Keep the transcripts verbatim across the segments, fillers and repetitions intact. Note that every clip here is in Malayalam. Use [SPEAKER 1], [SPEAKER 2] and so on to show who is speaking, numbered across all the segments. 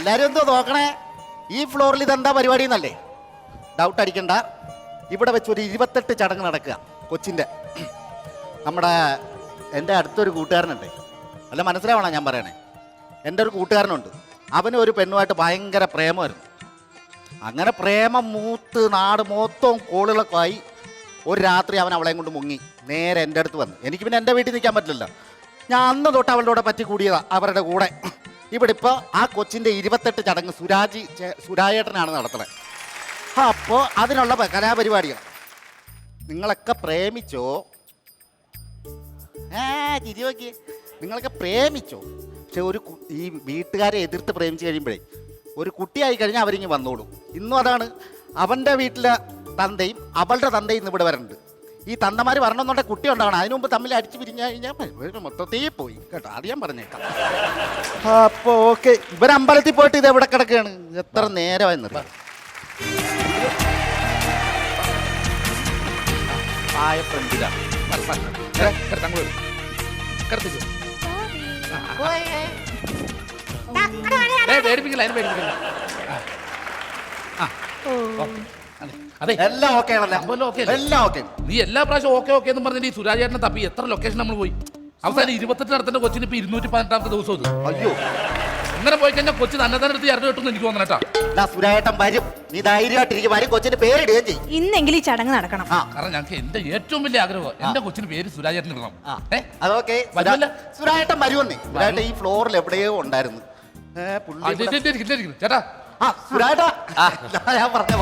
[SPEAKER 1] എല്ലാരും എന്തോ നോക്കണേ? ഈ ഫ്ലോറിൽ ഇതെന്താ പരിപാടി എന്നല്ലേ ഡൗട്ട് അടിക്കണ്ട. ഇവിടെ വെച്ച് ഒരു ഇരുപത്തെട്ട് ചടങ്ങ് നടക്കുക കൊച്ചിൻ്റെ. നമ്മുടെ എൻ്റെ അടുത്തൊരു കൂട്ടുകാരനുണ്ട്, അല്ല മനസ്സിലാവണം ഞാൻ പറയണേ. എൻ്റെ ഒരു കൂട്ടുകാരനുണ്ട്, അവന് ഒരു പെണ്ണുമായിട്ട് ഭയങ്കര പ്രേമമായിരുന്നു. അങ്ങനെ പ്രേമം മൂത്ത് നാട് മൊത്തവും കോളുകളൊക്കെ ആയി. ഒരു രാത്രി അവൻ അവളെയും കൊണ്ട് മുങ്ങി നേരെ എൻ്റെ അടുത്ത് വന്നു. എനിക്ക് പിന്നെ എൻ്റെ വീട്ടിൽ നിൽക്കാൻ പറ്റില്ലല്ലോ. ഞാൻ അന്ന് തൊട്ട് അവളുടെ കൂടെ പറ്റി കൂടിയതാണ് അവരുടെ കൂടെ. ഇവിടെ ഇപ്പോൾ ആ കൊച്ചിൻ്റെ ഇരുപത്തെട്ട് ചടങ്ങ് സുരാജി സുരാജേട്ടനാണ് നടത്തുന്നത്. അപ്പോൾ അതിനുള്ള കലാപരിപാടികൾ. നിങ്ങളൊക്കെ പ്രേമിച്ചോ? ഏ ചിരി നോക്കിയേ. നിങ്ങളൊക്കെ പ്രേമിച്ചോ? പക്ഷെ ഒരു ഈ വീട്ടുകാരെ എതിർത്ത് പ്രേമിച്ച് കഴിയുമ്പോഴേ ഒരു കുട്ടിയായി കഴിഞ്ഞാൽ അവരിങ്ങ് വന്നോളും. ഇന്നും അതാണ്. അവൻ്റെ വീട്ടിലെ തന്തയും അവളുടെ തന്തയും ഇന്ന് ഇവിടെ വരണ്ട്. ഈ തന്തമാർ വരണമെന്നുണ്ടെങ്കിൽ കുട്ടി ഉണ്ടാവണം. അതിനു മുമ്പ് തമ്മിൽ അടിച്ചു പിരിഞ്ഞു കഴിഞ്ഞാൽ മൊത്തത്തിൽ പോയി കേട്ടോ. അത് ഞാൻ പറഞ്ഞേക്കാം. അപ്പോൾ ഓക്കെ, ഇവരമ്പലത്തിൽ പോയിട്ട് ഇത് എവിടെ കിടക്കുകയാണ്? എത്ര നേരമായെന്നറിയാം.
[SPEAKER 2] അതെ,
[SPEAKER 1] എല്ലാം ഓക്കെ ആണല്ലോ. എല്ലാം ഓക്കെ.
[SPEAKER 2] നീ എല്ലാ പ്രാവശ്യം ഓക്കെ ഓക്കെ എന്ന് പറഞ്ഞിട്ട് ഈ സുരാജേട്ടനെ തപ്പി എത്ര ലൊക്കേഷൻ നമ്മൾ പോയി. അവസാനം ഇരുപത്തെട്ട് നടത്തേണ്ട കൊച്ചിന് ഇപ്പൊ ഇരുന്നൂറ്റി പതിനെട്ടാമത്തെ ദിവസം ഇത്.
[SPEAKER 1] അയ്യോ,
[SPEAKER 2] അങ്ങനെ പോയി കഴിഞ്ഞാൽ കൊച്ചു തന്നെ തന്നെ എടുത്ത് ഇറങ്ങി കിട്ടുമെന്ന് എനിക്ക് തോന്നണേട്ടാ.
[SPEAKER 1] സുരാജേട്ടൻ വരും, നീ ധൈര്യമായിട്ടിരിക്കും. വരും, കൊച്ചിന് പേരിടുകയും ചെയ്യും.
[SPEAKER 3] ഇന്നെങ്കിലും ഈ ചടങ്ങ് നടക്കണം.
[SPEAKER 2] കാരണം ഞങ്ങൾക്ക് എന്റെ ഏറ്റവും വലിയ ആഗ്രഹം എന്റെ കൊച്ചിന് പേര് സുരാജേട്ടൻ ഇടണം.
[SPEAKER 1] അതൊക്കെ സുരാജേട്ടൻ വരുമെന്നേ. സുരാജേട്ടൻ ഈ ഫ്ലോറിൽ എവിടെയോ ഉണ്ടായിരുന്നു.
[SPEAKER 2] ചേട്ടാ
[SPEAKER 1] ആ സുരാജേട്ടാ, ഞാൻ പറഞ്ഞ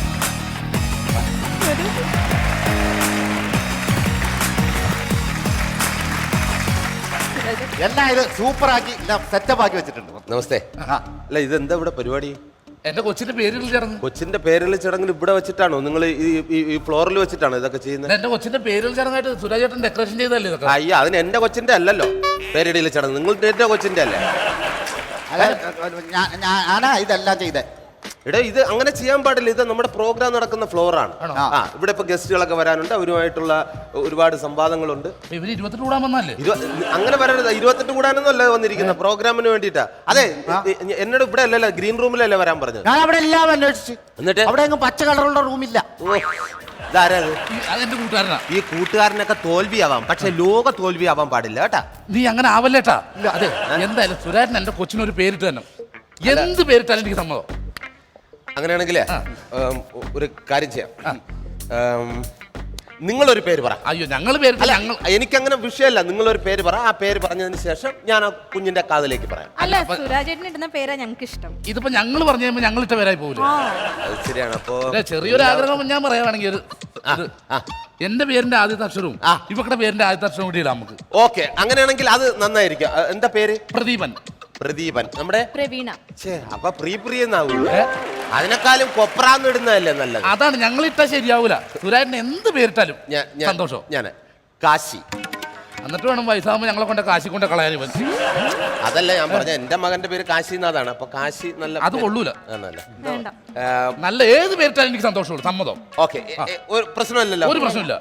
[SPEAKER 1] എല്ലാം ഇത് സൂപ്പറാക്കി സെറ്റപ്പ് ആക്കി വെച്ചിട്ടുണ്ട്.
[SPEAKER 4] നമസ്തേ. അല്ല, ഇതെന്താ ഇവിടെ പരിപാടി?
[SPEAKER 2] എന്റെ കൊച്ചിന്റെ പേരിൽ ചടങ്ങ്.
[SPEAKER 4] കൊച്ചിന്റെ പേരിൽ ചടങ്ങിൽ ഇവിടെ വെച്ചിട്ടാണോ നിങ്ങൾ ഈ ഫ്ലോറിൽ വെച്ചിട്ടാണോ ഇതൊക്കെ ചെയ്യുന്നത്?
[SPEAKER 2] എന്റെ കൊച്ചിന്റെ പേരിൽ ചടങ്ങായിട്ട് സുരാജേട്ടൻ ഡെക്കറേഷൻ ചെയ്തല്ലേ ഇതൊക്കെ?
[SPEAKER 4] അയ്യ, അതിന് എന്റെ കൊച്ചിന്റെ അല്ലല്ലോ പേരിടയിൽ ചടങ്ങ്. നിങ്ങൾ എന്റെ കൊച്ചിന്റെ അല്ലേ?
[SPEAKER 1] ഞാനാ ഇതെല്ലാം ചെയ്തേ.
[SPEAKER 4] ഇവിടെ ഇത് അങ്ങനെ ചെയ്യാൻ പാടില്ല. ഇത് നമ്മുടെ പ്രോഗ്രാം നടക്കുന്ന ഫ്ലോറാണ്. ആ, ഇവിടെ ഇപ്പൊ ഗസ്റ്റുകളൊക്കെ വരാനുണ്ട്. അവരുമായിട്ടുള്ള ഒരുപാട് സംവാദങ്ങളുണ്ട്.
[SPEAKER 2] ഇവര് ഇരുപത്തെട്ട് കൂടാൻ വന്നല്ലേ?
[SPEAKER 4] അങ്ങനെ വരരുത്. ഇരുപത്തെട്ട് കൂടാനൊന്നും അല്ല വന്നിരിക്കുന്ന, പ്രോഗ്രാമിന് വേണ്ടിട്ടാ. അതെ, എന്നോട് ഇവിടെ അല്ലല്ലോ, ഗ്രീൻ റൂമിലല്ലേ വരാൻ പറഞ്ഞത്.
[SPEAKER 1] ഞാൻ അവിടെ എല്ലാം അന്വേഷിച്ചു.
[SPEAKER 4] എന്നിട്ട്
[SPEAKER 1] അവിടെ പച്ച കളറുള്ള റൂമില്ല.
[SPEAKER 2] അതെന്റെ കൂട്ടുകാരനാ.
[SPEAKER 4] ഈ കൂട്ടുകാരനൊക്കെ തോൽവിയാവാം, പക്ഷെ ലോക തോൽവിയാവാൻ പാടില്ല കേട്ടാ.
[SPEAKER 2] നീ അങ്ങനെ ആവല്ലേട്ടാ. അതെ, എന്തായാലും സുരാജൻ എന്റെ കൊച്ചിനൊരു പേരിട്ട് തന്നെ. എന്ത് പേരിട്ടാലും എനിക്ക് സമ്മതം.
[SPEAKER 4] അങ്ങനെയാണെങ്കിലേ ഒരു കാര്യം ചെയ്യാം. നിങ്ങളൊരു പേര് പറ.
[SPEAKER 2] അയ്യോ, ഞങ്ങൾ പേര്
[SPEAKER 4] ഞങ്ങൾ എനിക്കങ്ങനെ വിഷയമല്ല. നിങ്ങളൊരു പേര് പറ. ആ പേര് പറഞ്ഞതിന് ശേഷം ഞാൻ ആ കുഞ്ഞിന്റെ കാതിലേക്ക് പറയാം.
[SPEAKER 3] അല്ല, സുരാജേട്ടൻ ഇടുന്ന പേരാ ഞങ്ങൾക്ക് ഇഷ്ടം.
[SPEAKER 2] ഇതിപ്പോ ഞങ്ങൾ പറഞ്ഞു കഴിയുമ്പോ ഞങ്ങൾ ഇട്ട പേരായി പോകില്ല.
[SPEAKER 4] അത് ശരിയാണ്. അപ്പോ
[SPEAKER 2] ചെറിയൊരു ആഗ്രഹം ഞാൻ പറയുകയാണെങ്കിൽ ഒരു എന്റെ പേരിന്റെ ആദ്യത്തെ അക്ഷരവും ഇവക്കടെ പേരിന്റെ ആദ്യത്തെ അക്ഷരവും കൂടി ഇടാം നമുക്ക്.
[SPEAKER 4] ഓക്കെ, അങ്ങനെയാണെങ്കിൽ അത് നന്നായിരിക്കും. എന്താ പേര്?
[SPEAKER 2] പ്രദീപൻ.
[SPEAKER 4] പ്രദീപൻ. നമ്മുടെ
[SPEAKER 3] പ്രവീണ.
[SPEAKER 4] അപ്പൊ പ്രീ പ്രിയ അതിനെക്കാളും കൊപ്രാന്ന് ഇടുന്നതല്ലേ നല്ലത്.
[SPEAKER 2] അതാണ്, ഞങ്ങൾ ഇട്ടാ ശരിയാവൂല. സുരാജന് എന്ത് പേരിട്ടാലും സന്തോഷം.
[SPEAKER 4] ഞാൻ കാശി.
[SPEAKER 2] എന്നിട്ട് വേണം വയസ്സാകുമ്പോ ഞങ്ങളെ കൊണ്ട് കാശി കൊണ്ട് കളയാൻ.
[SPEAKER 4] അതല്ല ഞാൻ പറഞ്ഞ, എന്റെ മകന്റെ പേര് കാശി എന്നതാണ്. അപ്പൊ കാശി നല്ല
[SPEAKER 2] അത് കൊള്ളൂല.
[SPEAKER 3] വേണ്ട,
[SPEAKER 2] നല്ല ഏത് പേരിട്ടാലും എനിക്ക് സന്തോഷമുള്ളൂ, സമ്മതം.
[SPEAKER 4] ഓക്കെ, ഒരു പ്രശ്നമില്ലല്ലോ.
[SPEAKER 2] ഒരു പ്രശ്നമില്ല.